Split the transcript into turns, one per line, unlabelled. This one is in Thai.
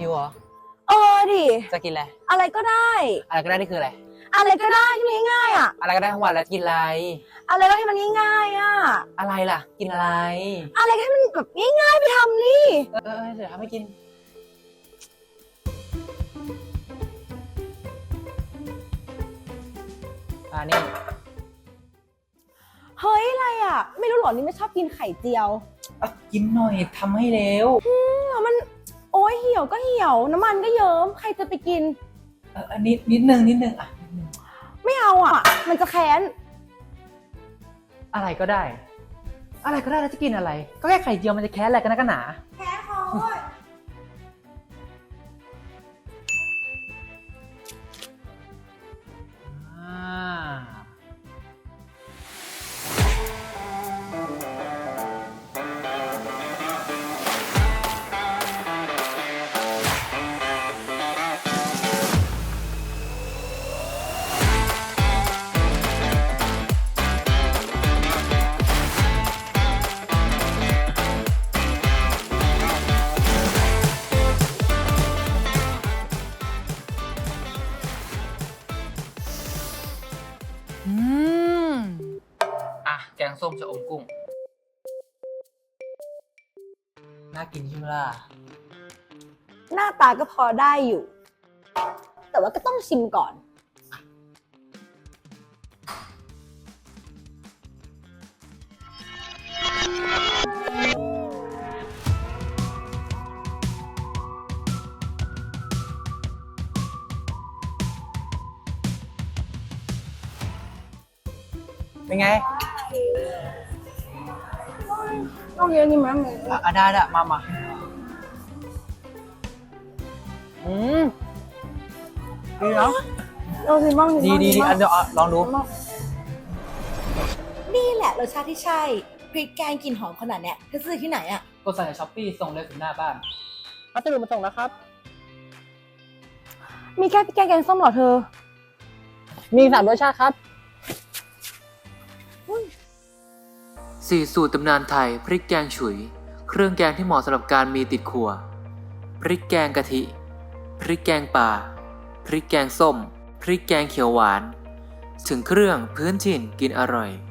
วเหรอ
ดิ
จะกินอะไร
อะไรก็ได้
อะไรก็ได้นี่คืออะไร
อะไรก็ได้ที่มันง่ายๆอ่ะ
อะไรก็ได้ทั้งวันแล้วกินอะไร
อะไรก็ให้มันง่ายๆอ่ะ
อะไรล่ะกินอะไร
อะไรก็ให้มันแบบง่ายๆไปทำนี่
เดี๋ยวทำให้กินนี่
เฮ้ยอะไรอ่ะไม่รู้หรอนี่ไม่ชอบกินไข่เจียว
กินหน่อยทำให้เร็ว
แล้วมันโอ้ยเหี่ยวก็เหี่ยวน้ำมันก็เยิ้มใครจะไปกิน
อันนี้นิดนึงอ่ะ
ไม่เอาอ่ะมันจะแค้น
อะไรก็ได้แล้วจะกินอะไรก็แค่ไข่เจียวมันจะแค้นอะไรกันนะกันหนา
แค้นเขา
แกงส้มชะอมกุ้งน่ากินใช่ไหมล่ะ
หน้าตาก็พอได้อยู่ แต่ว่าก็ต้องชิมก่อน
เป็นไง
ต้องเยอะนี่มั้ย
ได้มาดีเนาะ
เราชิมบ้าง
ดีเดี๋ยวลองดู
นี่แหละรสชาติที่ใช่พริกแกงกลิ่นหอมขนาดเนี้ยเธอซื้อที่ไหนอ่ะ
กดสั่งจากช้อปปี้ส่งเลยถึงหน้าบ้านพัสดุมาส่งแล้วครับ
มีแค่พริกแกงส้มเหรอเธอ
มี3 รสชาติครับ
4 สูตรตำนานไทยพริกแกงฉุยเครื่องแกงที่เหมาะสำหรับการมีติดครัวพริกแกงกะทิพริกแกงป่าพริกแกงส้มพริกแกงเขียวหวานถึงเครื่องพื้นถิ่นกินอร่อย